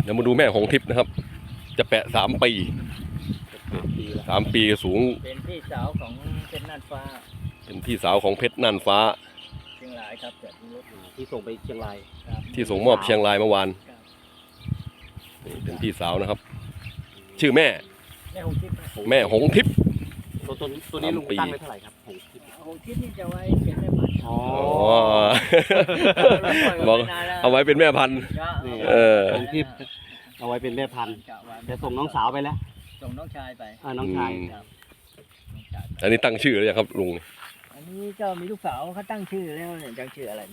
ดี๋ยวมาดูแม่หงทิพย์นะครับ จะแปะ3 ปี3 ปีสูงเป็นพี่สาวของเพชรน่านฟ้าเป็นพี่สาวของเพชรน่านฟ้าเชียงรายครับแต่ที่รถอยู่ที่ส่งไปเชียงรายที่ส่งมอบเชียงรายเมื่อวานนี่เป็นพี่สาวนะครับ ชื่อแม่หงทิพย์แม่หงทิพย์ตัวนี้ลุงตั้งไว้เท่าไหร่ครับหงทิพย์นี่จะไว้เป็นแม่พันธุ์อ๋อบอกเอาไว้เป็นแม่พันธุ์หงทิพย์เอาไว้เป็นแม่พันธุ์จะส่งน้องสาวไปแล้วส่งน้องชายไปน้องชายอันนี้ตั้งชื่อหรือยังครับลุงอันนี้ก็มีลูกสาวเขาตั้งชื่อแล้วเนี่ยตั้งชื่ออะไร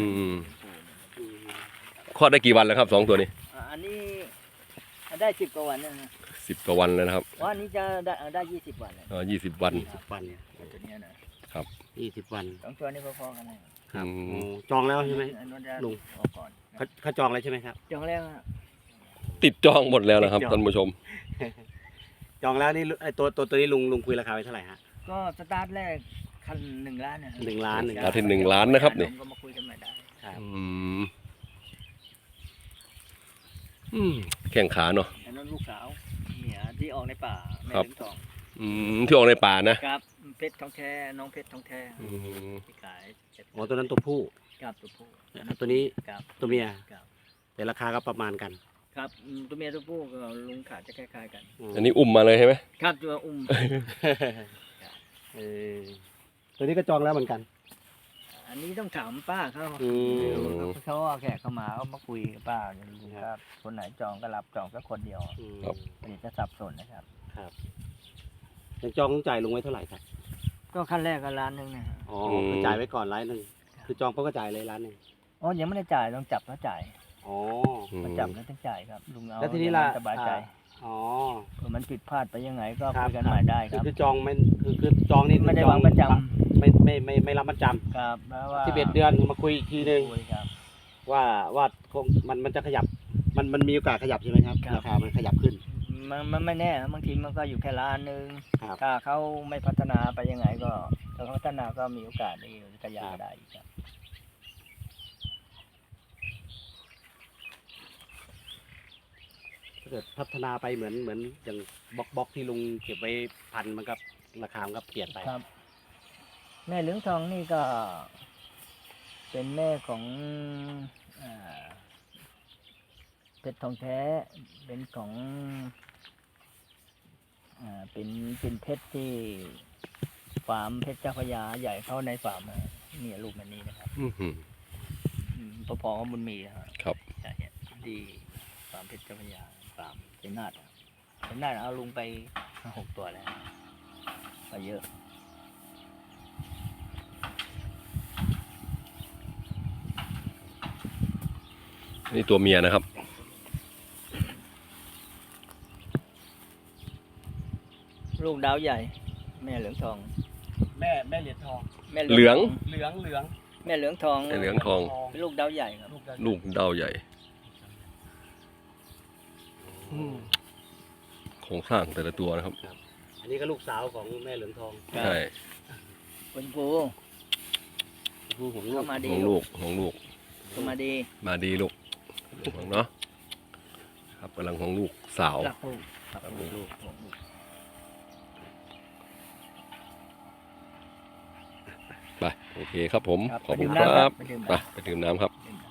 คลอดได้กี่วันแล้วครับ2 ตัวนี้อันนี้ได้10 กว่าวันนะ 10 กว่าวันแล้วนะครับวันนี้จะได้20 วัน 20 วันเนี่ยตัวนี้นะครับ 20 วัน 2 ตัวนี้พอๆกันเลยครับจองแล้วใช่ไหมลุงเขาจองแล้วใช่ไหมครับจองแล้วติดจองหมดแล้วนะครับท่านผู้ชมจองแล้วนี่ไอตัวนี้ลุงคุยราคาไปเท่าไหร่ฮะก็สตาร์ทแรกคัน1 ล้านนะ 1 ล้านเอาที่1 ล้านนะครับนี่ก็มาคุยกันใหม่ได้แข่งขาเนาะอันนั้นลูกสาวเนี่ยที่ออกในป่าแม่ถึงทองที่ออกในป่านะครับเพชรทองแท้น้องเพชรทองแท้ที่ขายตัวนั้นตัวผู้ครับตัวผู้ตัวนี้ตัวเมียแต่ราคาก็ประมาณกันครับตัวเมียตัวผู้ก็ลุงขาดจะคล้ายๆกันอันนี้อุ้มมาเลยใช่ไหมครับตัวอุ้มตัวนี้ก็จองแล้วเหมือนกันอันนี้ต้องถามป้าเขาแขกเข้ามาเขามาคุยกับป้าลุงครับคนไหนจองก็รับจองก็คนเดียวอันนี้จะสับสนนะครับครับยังจองต้องจ่ายลุงไว้เท่าไหร่ครับก็ขั้นแรกก็1 ล้านนะอ๋อคือจ่ายไว้ก่อน1 ล้านคือจองก็จ่ายเลย1 ล้านอ๋อยังไม่ได้จ่ายต้องจับแล้วจ่ายมาจับแล้วต้องจ่ายครับลุงเอาแล้วทีนี้ล่ะสบายใจมันผิดพลาดไปยังไงก็คุยกันใหม่ได้ครับคือจองไม่คือจองนี่ไม่ได้วางประจำไม่รับประจำครับว่า 11 เดือนมาคุยอีกทีนึงว่าคงมันจะขยับมันมีโอกาสขยับใช่ไหมครับราคามันขยับขึ้นมันไม่แน่บางทีมันก็อยู่แค่1 ล้านถ้าเขาไม่พัฒนาไปยังไงก็ถ้าเขาพัฒนาก็มีโอกาสที่จะขยับได้ครับเกิดพัฒนาไปเหมือนอย่างบล็อกที่ลุงเก็บไว้พันมันก็ราคามันก็เปลี่ยนไปครับแม่เหลืองทองนี่ก็เป็นแม่ของเพชรทองแท้เป็นของเป็นเพชรที่ฟาร์มเพชรเจ้าพระยาใหญ่เข้าในฟาร์มนี่ลูกมันนี้นะครับพอๆกับบุญมีครับดีฟาร์มเพชรเจ้าพระยาฟาร์มเป็นนาดเอาลุงไป6 ตัวแล้วไปเยอะนี่ตัวเมียนะครับลูกดาวใหญ่แม่เหลืองทองแม่เหรียญทองเหลืองแม่เหลืองทองเป็นลูกดาวใหญ่ครับลูกดาวใหญ่โครงสร้างแต่ละตัวนะครับอันนี้ก็ลูกสาวของแม่เหลืองทองใช่คุณปูเข้ามาดีลูกเข้ามาดีลูกเนาะครับกำลังของลูกสาวไปโอเคครับผมขอบคุณครับไปดื่มน้ำครับ